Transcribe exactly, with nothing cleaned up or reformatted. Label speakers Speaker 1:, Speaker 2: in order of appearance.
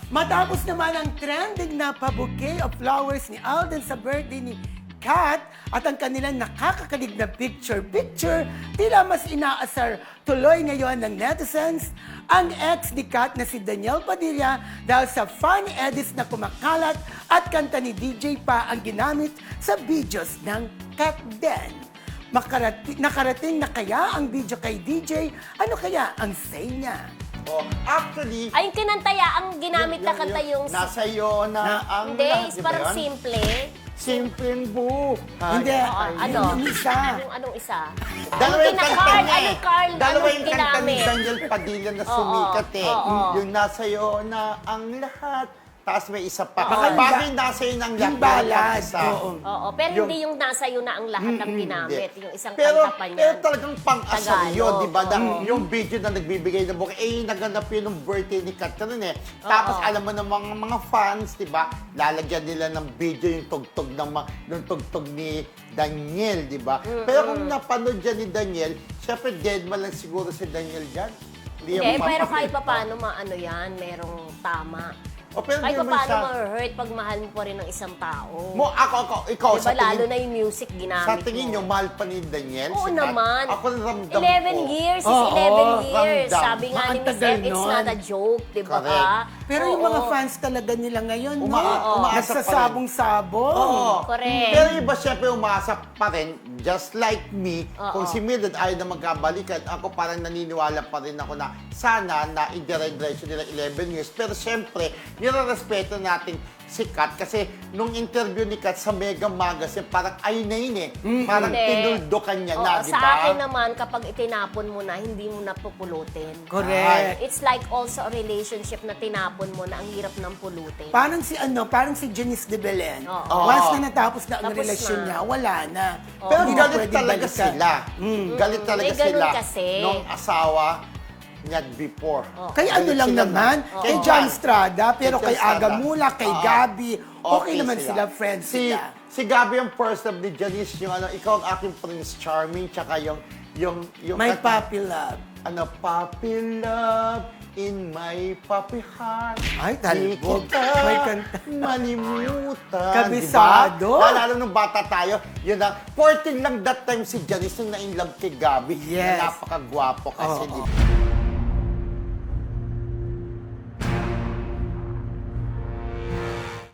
Speaker 1: Matapos naman ang trending na pa-bouquet of flowers ni Alden sa birthday ni Kat at ang kanilang nakakakalig na picture-picture, tila mas inaasar tuloy ngayon ng netizens ang ex ni Kat na si Daniel Padilla dahil sa funny edits na kumakalat at kanta ni D J pa ang ginamit sa videos ng Kat Den. Makarati, nakarating na kaya ang video kay D J? Ano kaya ang say niya?
Speaker 2: Oh, actually,
Speaker 3: Ay, yung kinantaya, ang ginamit na kanta yung...
Speaker 2: nasa iyo na,
Speaker 1: Na-
Speaker 2: ang
Speaker 3: Hindi,
Speaker 2: lahat,
Speaker 3: is
Speaker 2: di ba
Speaker 3: parang
Speaker 2: yun?
Speaker 3: simple.
Speaker 2: Simpleng buhay.
Speaker 1: Hindi,
Speaker 3: Oo, ano?
Speaker 1: yung isa.
Speaker 3: Yung anong isa?
Speaker 2: Dalawa
Speaker 3: Anong
Speaker 2: yung kanta
Speaker 3: kina-Carl?
Speaker 2: niya eh.
Speaker 3: Anong Carl?
Speaker 2: Dalawa
Speaker 3: Anong
Speaker 2: yung kanta ni
Speaker 3: ginamit?
Speaker 2: Daniel Padilla na
Speaker 3: Oo,
Speaker 2: sumikat eh.
Speaker 3: oo.
Speaker 2: Yung nasa iyo na ang lahat. Tapos may isa pa.
Speaker 1: Baka yung
Speaker 2: Bakit
Speaker 1: ba-
Speaker 2: yung nasa iyo ng lahat?
Speaker 1: Yung ballad.
Speaker 2: Isa.
Speaker 1: Oo.
Speaker 3: Oo, pero
Speaker 2: Yung-
Speaker 3: hindi yung nasa iyo na ang lahat ng ginamit.
Speaker 2: Hindi.
Speaker 3: Yung isang
Speaker 2: pero,
Speaker 3: kanta pa niya.
Speaker 2: Pero talagang pang-asar
Speaker 3: Tagalog,
Speaker 2: yun, di ba? Na,
Speaker 3: oo.
Speaker 2: yung video na nagbibigay ng buka, eh, naganap yun ng birthday ni Catherine eh. Tapos
Speaker 3: Oo.
Speaker 2: alam mo ng mga, mga fans, di ba? Lalagyan nila ng video yung tugtog ng, ma- ng tugtog ni Daniel, di ba? Pero kung napanood dyan ni Daniel, syempre dead man lang siguro si Daniel dyan.
Speaker 3: Hindi,
Speaker 2: yan
Speaker 3: pero
Speaker 2: mapapakita.
Speaker 3: kahit pa paano maano yan, merong tama.
Speaker 2: O, pero
Speaker 3: Kahit
Speaker 2: di
Speaker 3: pa
Speaker 2: naman
Speaker 3: paano
Speaker 2: siya-
Speaker 3: ma-hurt pag mahal mo pa rin ng isang tao.
Speaker 2: Mo, ako, ako, ikaw,
Speaker 3: Diba,
Speaker 2: sa tingin,
Speaker 3: lalo na yung music ginamit
Speaker 2: sa tingin
Speaker 3: mo.
Speaker 2: nyo, mahal pa ni Daniel?
Speaker 3: Oo
Speaker 2: si Kat?
Speaker 3: naman.
Speaker 2: Ako ramdam
Speaker 3: eleven
Speaker 2: ko.
Speaker 3: years is
Speaker 1: Oo,
Speaker 3: eleven years.
Speaker 2: ramdam.
Speaker 3: Sabi nga ni
Speaker 1: Ang
Speaker 3: Miss
Speaker 1: tagal
Speaker 3: F, it's
Speaker 1: nun.
Speaker 3: not a joke, di ba?
Speaker 2: Correct.
Speaker 1: Pero yung mga
Speaker 3: Oo.
Speaker 1: fans talaga nila ngayon, no?
Speaker 2: Uma- umaasa pa rin.
Speaker 1: Nagsasabong-sabong.
Speaker 2: Oo.
Speaker 3: Correct.
Speaker 2: Pero iba syempre umasa pa rin, just like me,
Speaker 3: Oo.
Speaker 2: kung si Mildred ayaw na magkabalikan, ako parang naniniwala pa rin ako na sana na i-diretso nila eleven years. Pero syempre, nire-respeto natin si Kat kasi nung interview ni Kat sa Mega Magazine, parang ayun na yun eh. Parang
Speaker 3: Hindi.
Speaker 2: tinuldukan niya
Speaker 3: Oo,
Speaker 2: na, di
Speaker 3: sa
Speaker 2: ba?
Speaker 3: akin naman, kapag itinapon mo na, hindi mo na pupulutin.
Speaker 1: Correct.
Speaker 3: It's like also a relationship na tinapon mo na ang hirap ng pulutin.
Speaker 1: Parang si ano, parang si Janice de Belen.
Speaker 3: Oo.
Speaker 1: Once na natapos na ang
Speaker 3: Tapos
Speaker 1: relasyon
Speaker 3: na.
Speaker 1: niya, wala na.
Speaker 2: Pero
Speaker 1: Hindi na
Speaker 2: galit
Speaker 1: pwedeng
Speaker 2: talaga
Speaker 1: balikan.
Speaker 2: sila. Galit talaga
Speaker 3: May ganun
Speaker 2: sila.
Speaker 3: kasi.
Speaker 2: Nung asawa niya before.
Speaker 1: Kay ano
Speaker 2: Galit
Speaker 1: lang
Speaker 2: sila
Speaker 1: naman,
Speaker 2: na-
Speaker 1: kay
Speaker 2: Oo.
Speaker 1: John Estrada, pero
Speaker 2: Kay
Speaker 1: kay
Speaker 2: John Estrada.
Speaker 1: Aga Mula, kay
Speaker 2: Oo.
Speaker 1: Gabi, okay, naman sila, friends
Speaker 2: si,
Speaker 1: sila.
Speaker 2: Si Gabi ang first love ni Janice, yung ano, ikaw ang aking Prince Charming, tsaka yung, yung, yung,
Speaker 1: My
Speaker 2: kat-
Speaker 1: puppy love.
Speaker 2: ano, puppy love in my puppy heart.
Speaker 1: Ay, talbog.
Speaker 2: Di kita
Speaker 1: May kanta.
Speaker 2: malimutan.
Speaker 1: Kabisado.
Speaker 2: Diba? Lalo nung bata tayo, yun ang, fourteen lang that time si Janice nung na-in love kay Gabi.
Speaker 1: Yes.
Speaker 2: Na napakagwapo kasi,
Speaker 1: Oo.
Speaker 2: di ba?